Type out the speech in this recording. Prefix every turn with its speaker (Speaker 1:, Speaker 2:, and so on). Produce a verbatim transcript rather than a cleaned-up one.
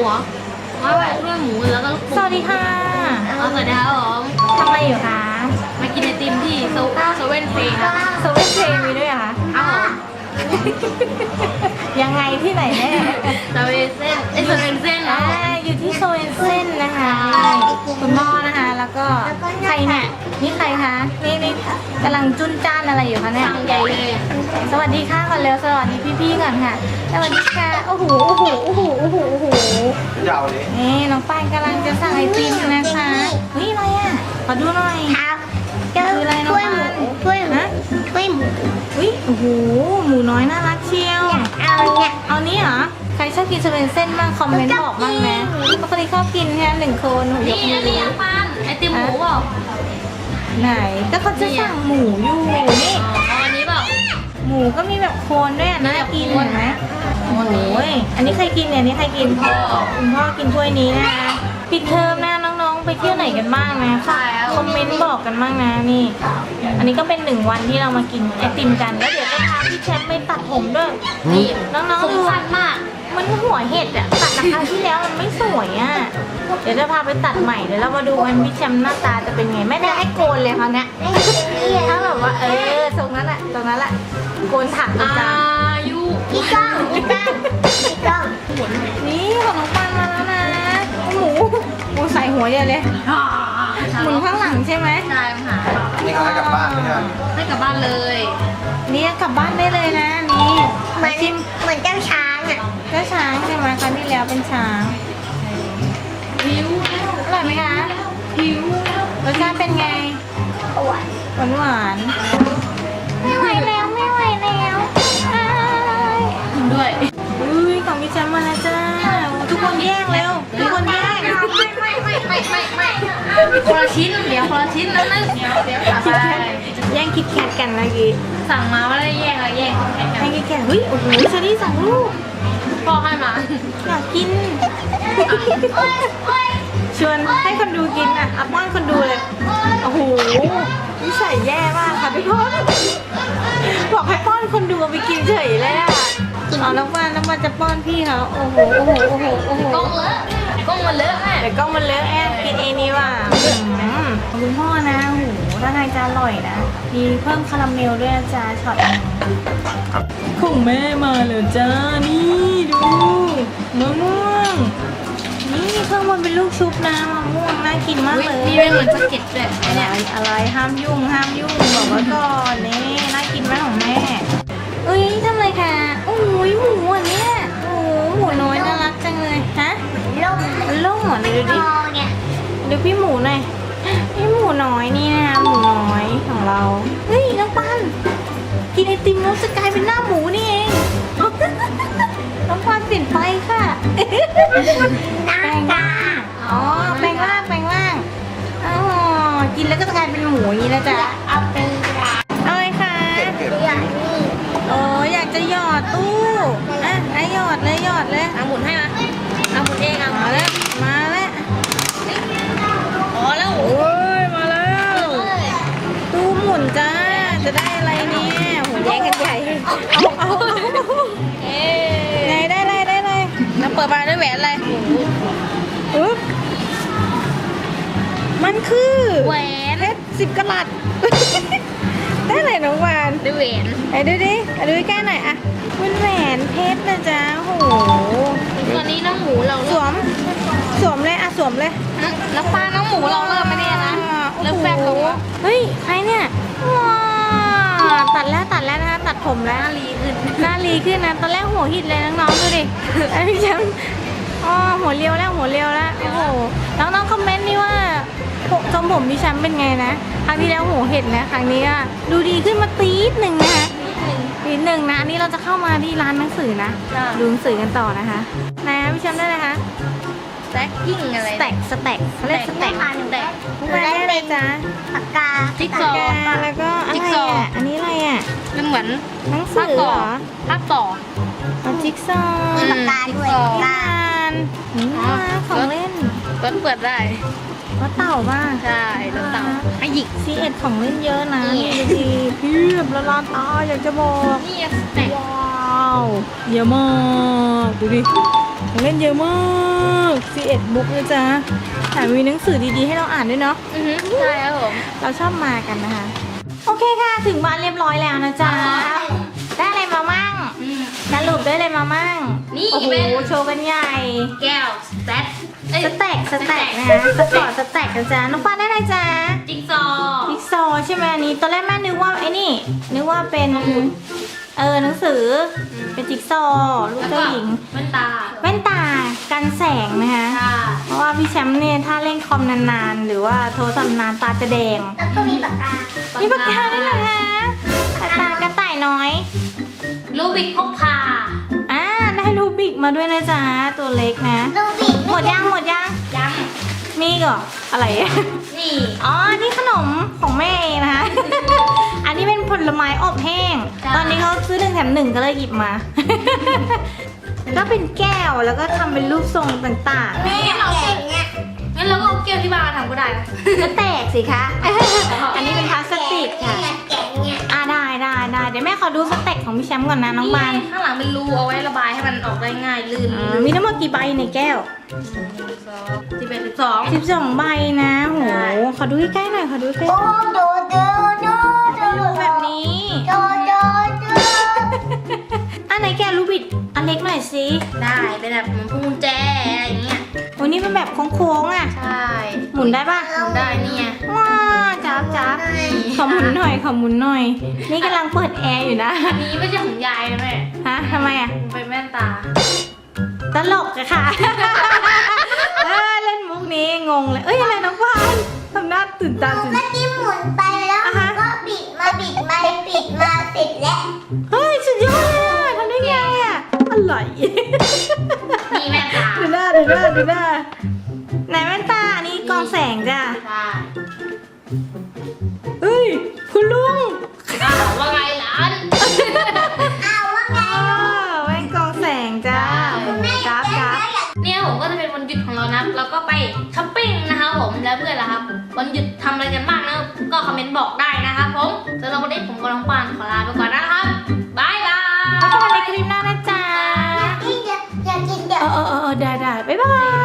Speaker 1: เหรอไม่ไหวเรื่องหมูแล้วก็ลูกปู
Speaker 2: สวัสดีค่ะ
Speaker 1: เอาสวัสดีครับผม
Speaker 2: ทำอะไรอยู่คะ
Speaker 1: มากินไอติมที่โซโซเว่นเฟย์ครับ
Speaker 2: โซเว่นเพลงมีด้วยเหรอคะ
Speaker 1: อ้าว
Speaker 2: ยังไงที่ไหนแน่
Speaker 1: โซเว่นเส้นไอโซเว่นเส้น
Speaker 2: อ่า
Speaker 1: นะ
Speaker 2: อยู่ที่โซเว่นเส้นนะคะคุณพ่อนะคะ แล้วก็ใครเนี่ยนี่ใครคะนี่นี่กำลังจุนจ้านอะไรอยู่คะเนี่ย
Speaker 1: สั่งใหญ่เลย
Speaker 2: สวัสดีค่ะก่อนเร็วสวัสดีพี่ๆก่อนค่ะ สวัสดีค่ะโอ้โหโอ้โหโอ้โหโอ้โหโอ้โห
Speaker 3: ยาวเลย
Speaker 2: นี่น้องปานกำลังจะสั่งไอติมนะคะนี่อะไรอ่ะขอดูหน่อย
Speaker 4: ครับ
Speaker 2: คืออะไรน้อง
Speaker 4: ถ้วยห
Speaker 2: ปา
Speaker 4: มู
Speaker 2: น
Speaker 4: ถ้วยหมู
Speaker 2: ฮะ
Speaker 4: ถ้วยหมู
Speaker 2: อุ้ยโอ้โหหมูน้อยน่ารักเชียว
Speaker 4: เอาเนี่ย
Speaker 2: เอานี้เหรอใครชอบกินสเปนเส้นบ้างคอมเมนต์บอกบ้างนะปกติชอบกินแค่หนึ่งคนหนูย
Speaker 1: นี่
Speaker 2: กมื
Speaker 1: อั
Speaker 2: อน
Speaker 1: นี้ยังปันไอติมหมูเปล่า
Speaker 2: ไหนก็เขาจะสั่งหมูอยู่นี่
Speaker 1: อ๋ออันนี้เปล่า
Speaker 2: หมูก็มีแบบโคนด้วยอะน่ากินเห็นไหม
Speaker 1: โคนนี้
Speaker 2: โอ้ยอันนี้ใครกินเนี่ยอันนี้ใครกิน
Speaker 1: พ่อ
Speaker 2: คุณพ่อกินถ้วยนี้นะคะปิดเทอมนะน้องๆ ไปเที่ยวไหนกันบ้างนะ
Speaker 1: ใช่แล้ว
Speaker 2: คอมเมนต์บอกกันบ้างนะนี่ อันนี้ก็เป็นหนึ่งวันที่เรามากินไอติมกันแล้วเดี๋ยวจะพาพี่แชมป์ไปตัดผมด้วยนี่น้อง
Speaker 1: ผ
Speaker 2: ๆ
Speaker 1: ม
Speaker 2: ดู
Speaker 1: สั้นมาก
Speaker 2: มันหัวเห็ดอะตัดราคราวที่แล้วมันไม่สวยอะเดี๋ยวจะพาไปตัดใหม่เดี๋ยวเรามาดูกันพี่แชมป์หน้าตาจะเป็นไงไม่ได้ให้โกนเลยเขาวเนี้ยถ้าแบบว่าเออตรงนั้นแหละตรงนั้นแหละโกนถักเลย
Speaker 1: อา
Speaker 2: จ้า
Speaker 1: ยุ
Speaker 4: อีกกล้องอีกกล้องอีกกล้อง
Speaker 2: นี่ของน้องปันมาแล้วนะหมูหมูใส่หัวเดียวเลยหมุนข้างหลังใช่ไหม
Speaker 1: ใช่ค่ะ
Speaker 3: นี่เขาให้กลับบ้านไหมครับ
Speaker 1: ให้กลับบ้านเลย
Speaker 2: นี่กลับบ้านได้เลยนะนี่
Speaker 4: เหมื
Speaker 2: มา
Speaker 4: อน
Speaker 2: ชิม
Speaker 4: เหมือนเจ้าช้างอ่ะ
Speaker 2: เจ้าช้างใช่ไหมครั้งที่แล้วเป็นช้าง
Speaker 1: หิว
Speaker 2: อร่อยไหมคะ
Speaker 1: หิว
Speaker 2: รสชาติเป็นไง
Speaker 4: ปวด
Speaker 2: หวานหวานๆไม่ไหวแล้วไม่ไหวแล้วอ้าย
Speaker 1: ด้วย
Speaker 2: อุ้ยของพี่แชมป์มาแล้วจ้าทุกคนแย่งเร็วทุกคนแย่ง
Speaker 1: ไม่ไม่ไม่ไม่ไม่ไม่คนละชิ้นเดี๋ยวคนละชิ้นแล้วนึงเดี๋ยวเดี๋ยวกลับไป
Speaker 2: แย่งคิดแคทกันเมื่อกี้
Speaker 1: สั่งมาว่าได้แย่งอะไรแย่งแย่งกั
Speaker 2: แย่
Speaker 1: น
Speaker 2: งคิดแคทเฮ้ยโอ้โหเชอรี่สั่งลูก
Speaker 1: พ่อให้มา
Speaker 2: อยากกินชวนให้คนดูกินอ่ะอัพว่านคนดูเลยโอ้โหนิสัยแย่มากค่ะทุกคนบอกให้ป้อนคนดูเอาไปกินเฉยเลยอ่ะเอาน้ำมันน้ำมันจะป้อนพี่เขาโอ้โหโอ้โหโอ้โหโอ้โห
Speaker 1: กล้องเลอะกล้องมันเลอะแม่
Speaker 2: เดี๋ยวกล้องมันเลอะแอบกินเองนี่ว่ะอืมของคุณพ่อนะโอ้โหถ้าทางจะอร่อยนะ มีเพิ่มคาราเมลด้วยนะจ๊ะช็อตหนึงของแม่มาเลยจ้า นี่ดูมะม่วง นี่มีข้างบนเป็นลูกชุบนะมะม่วงน่ากินมาก
Speaker 1: อุ๊ย
Speaker 2: เลย
Speaker 1: มีเป็นเหมือนสะเก็ดด้วยไอ
Speaker 2: อะไร
Speaker 1: เนี่ย
Speaker 2: อะไรห้ามยุ่งห้ามยุ่งบอกไว้ก่อนนี่น่ากินไหมของแม่เอ้ยทำไรคะโอ้ยหมูอันเนี้ยโอ้โหหมูน้อยน่ารักจังเลยฮะ
Speaker 4: ลง
Speaker 2: มันโล่งเหรอเดี๋ยวดูดิ
Speaker 4: คอเนี่ย
Speaker 2: ดูพี่หมูหน่อยพี่หมูน้อยนี่นะคะหมูน้อยของเรา เฮ้ยน้องปันกินไอติมแล้วจะกลายเป็นหน้าหมูนี่เอง น้องปันเปลี่ยนไปค่ะ
Speaker 4: หน้าตา
Speaker 2: อ๋อแปลงร่างแปลงร่างอ๋อกินแล้วก็จะกลายเป็นหมูอย่างนี้แล้วจ้ะ
Speaker 4: เอาเป็นกระดาษ
Speaker 2: เอาเลยค่ะ
Speaker 3: เก็บเก็บ
Speaker 4: อย่างนี้
Speaker 2: โอ้อยากจะหยอดตู้อ่ะไอะหยอดเลยหยอดเลย
Speaker 1: เอาหมุนให้มาเอาหมุนเองเอา
Speaker 2: มาแล้วมาแล้ว
Speaker 1: อ๋อแล้ว
Speaker 2: โอ้ยมาแล้วตู้หมุนจ้าจะได้อะไรเนี่ยโหแย่งกันใหญ่เอาเอาเอา
Speaker 1: เอ๊
Speaker 2: ไหนได้เลยได้เลย
Speaker 1: แล้วเปิดมาด้วยแหวนอะไร
Speaker 2: ปึ๊บมันคือ
Speaker 1: แหวน
Speaker 2: เพชรสิบกะลัด ได้เลยน้องวาน
Speaker 1: ด้วยแหวน
Speaker 2: ไหนดูดิอ่ะดูใกล้ๆหน่อยอ่ะเป็นแหวนเพชรนะจ๊ะโห
Speaker 1: ตอนนี้น้องหมูเรา
Speaker 2: สวมสวมเลยอ่ะสวมเลย
Speaker 1: แล้วปลาน้องหมูเราเริ่มไม่ได้นะเริ่มแฟบลงแล้ว
Speaker 2: เฮ้ยใครเนี่ยว้าวตัดแล้วตัดแล้วนะคะตัดผมแล้ว
Speaker 1: ลีขึ้น
Speaker 2: หน้ารีขึ้นนะตอนแรกหัวหิดเลยน้องๆดูดิไอ้พี่แชมป์อ๋อหัวเรียวแล้วหัวเรียวแล้วโอ้โหน้องๆคอมเมนต์นี่ว่าทรงผมพี่แชมป์เป็นไงนะครั้งที่แล้วหัวเห็ดนะครั้งนี้อะดูดีขึ้นมาตีดหนึ่งนะคะตีดหนึ่งนะอันนี้เราจะเข้ามาที่ร้านหนังสือนะดูหนังสือกันต่อนะคะไหนคะพี่แชมป์ได้เลยคะ
Speaker 1: แซกกิ้งอะไร
Speaker 2: สแต็กสแต็กเขาเรียกสแต็ก
Speaker 1: แตก
Speaker 2: ได้เลยจ้า
Speaker 4: ปากกา
Speaker 1: จิ๊กซอว์
Speaker 2: แล้วก็อะ
Speaker 1: จิ๊ก
Speaker 2: ไร
Speaker 1: ซอว์
Speaker 2: อ่ะอันนี้อะไรอ่ะ
Speaker 1: มันเหมือน
Speaker 2: หนังสือเหรอ
Speaker 1: ภาคต่อ
Speaker 2: เอาจิ๊กซอว์
Speaker 1: อืม
Speaker 4: ปากกาด้วย
Speaker 1: จิ๊กซอว์
Speaker 4: ปากกา
Speaker 2: านนี่น่ารักของเล่น
Speaker 1: ก็เปิดได้
Speaker 2: ก็เต่าบ้าง
Speaker 1: ใช่รถเต่าให้หยิก
Speaker 2: ซีเอ็ดของเล่นเยอะนะ
Speaker 1: นี่
Speaker 2: นี่ดูดีเพียบละลานตาอยากจะบอก
Speaker 1: นี่สแต็ก
Speaker 2: ว้าวเยอะมากดูดิของเล่นเยอะมากซี เอ็ด บุ๊กนะจ๊ะแถมมีหนังสือดีๆให้เราอ่านด้วยเนาะ
Speaker 1: อือฮึใช่ครับผม
Speaker 2: เราชอบมากันนะคะ โอเคค่ะ ถึงบ้านเรียบร้อยแล้วนะจ๊ะ ได้อะไรมามั่ง
Speaker 1: อืม
Speaker 2: สรุปได้อะไรมามั่ง
Speaker 1: นี่
Speaker 2: โอ้โห
Speaker 1: เป็น
Speaker 2: โชว์กันใหญ่
Speaker 1: แก้วสแตทเอ้ย
Speaker 2: สแต็กสแต็กนะคะสปอร์ตสแต็กนะจ๊ะน้องปานได้อะไรจ๊ะ
Speaker 1: จิ๊กซอว์
Speaker 2: จิ๊กซอว์ใช่ไหมอันนี้ตอนแรกแม่นึกว่าไอ้นี่ นึกว่าเป็นเออหนังสือเป็นจิ๊กซอว์ลูก
Speaker 1: แล้ว
Speaker 2: เจ้า
Speaker 1: ก็
Speaker 2: หญิง
Speaker 1: แว่นตา
Speaker 2: แว่นตากันแสงนะคะ
Speaker 1: ค่ะ
Speaker 2: เพราะว่าพี่แชมป์เนี่ยถ้าเล่นคอมนานๆ หรือว่าโทรศัพท์นานตาจะแดง
Speaker 4: แล้วก็มีปากกา
Speaker 2: มีปากกาด้วยเหรอคะปากกากระต่ายน้อย
Speaker 1: ลูบิกพกพา
Speaker 2: อ่าได้รูบิกมาด้วยนะจ๊ะตัวเล็กนะ
Speaker 4: ลูบิก
Speaker 2: หมดยังหมดยัง
Speaker 1: ยัง
Speaker 2: มีอีก่ออะไร
Speaker 1: นี่
Speaker 2: อ๋อ นี่ขนมของแม่เองนะคะ อันนี้เป็นผลไม้อบแห้ง ตอนนี้เขาซื้อหนึ่งแถมหนึ่งก็เลยหยิบมา ก็เป็นแก้วแล้วก็ทำเป็นรูปทรงต่าง
Speaker 4: แม่แก่เนี่ย
Speaker 1: งั้นเราก็เอาแก้วที่บ้านมาทำก็ได้นะ
Speaker 2: ๆก็แตกสิคะ อันนี้เป็นพลาสติกค่ะ
Speaker 4: แก่เนี่ย
Speaker 2: อ่าได้ได้ได้เดี๋ยวแม่ขอดูสเต็กของพี่แชมป์ก่อนนะน้องบาน
Speaker 1: ข้างหลังเป็นรูเอาไว้ระบายให้มันออกได้ง่ายลื่น
Speaker 2: อ่ามีทั้งหมดกี่ใบในแก้ว
Speaker 1: สิบเอ็ดสิบสอง
Speaker 2: สิบสองใบนะโห
Speaker 1: ใช่
Speaker 2: ขอดูใกล้ๆหน่อยขอดูใกล้
Speaker 4: โอ้ดูดูดูดู
Speaker 2: ๆดูแบบนี้
Speaker 4: ดูดูดู
Speaker 2: อันไหนแกะรูบิดอันเล็กหน่อยสิ
Speaker 1: ได้เป็นแบบเหมือนพวงกุญแจอะไรอย่างเงี้ย
Speaker 2: โอ้นี่เป็นแบบโค้งๆอ่ะ
Speaker 1: ใช่
Speaker 2: หมุนได้ปะ
Speaker 1: ทำได้นี่ไง
Speaker 2: ว้าจ้าบจ้าบขอหมุนหน่อยขอหมุนหน่อย นี่กำลังเปิดแอร์อยู่นะ
Speaker 1: อันนี้ไม่ใช่ของยายนะแม่
Speaker 2: ฮะทำไมอ่ะ
Speaker 1: มันเป็นแว่นตา
Speaker 2: ตลกอะค่ะ เออเล่นมุกนี้งงเลย เอ้ยอะไรน้องพานทำหน้าตื่นตาตื่น
Speaker 4: เมื่อกี้หมุนไปแล้ว
Speaker 2: อ่ะฮะ
Speaker 4: ก็บิดมาบิดมาบิดมาเสร็จแล้ว
Speaker 2: เฮ้ยสุดยอดเลยอะทำได้ไงอ่ะอร่อย
Speaker 1: นี่แว่นตา
Speaker 2: ดูหน้าดูหน้าดูหน้าไหนแว่นตาอันนี้กองแสงจ้ะ
Speaker 1: ใช่
Speaker 2: เฮ้ยคุณลุง
Speaker 1: อ้าวว่าไงหลาน
Speaker 4: อ้าวว่าไง
Speaker 2: อ้าวแว่นกองแสงจ้าจ้าบจ้าบ
Speaker 1: เนี่ยผมก็จะเป็นวันหยุดของเรานะเราก็ไปช้อปปิ้งนะครับผมแล้วเพื่อนล่ะครับ วันหยุดทำอะไรกันบ้างนะก็คอมเมนต์บอกได้นะครับผมสำหรับวันนี้ผมกับน้องปานขอลาไปก่อนนะครับบายบาย
Speaker 2: พบกันในคลิปหน้านะจ๊ะ
Speaker 4: อยากอยากกินเดี๋ยว
Speaker 2: เออเออเออได้ได้บ๊ายบาย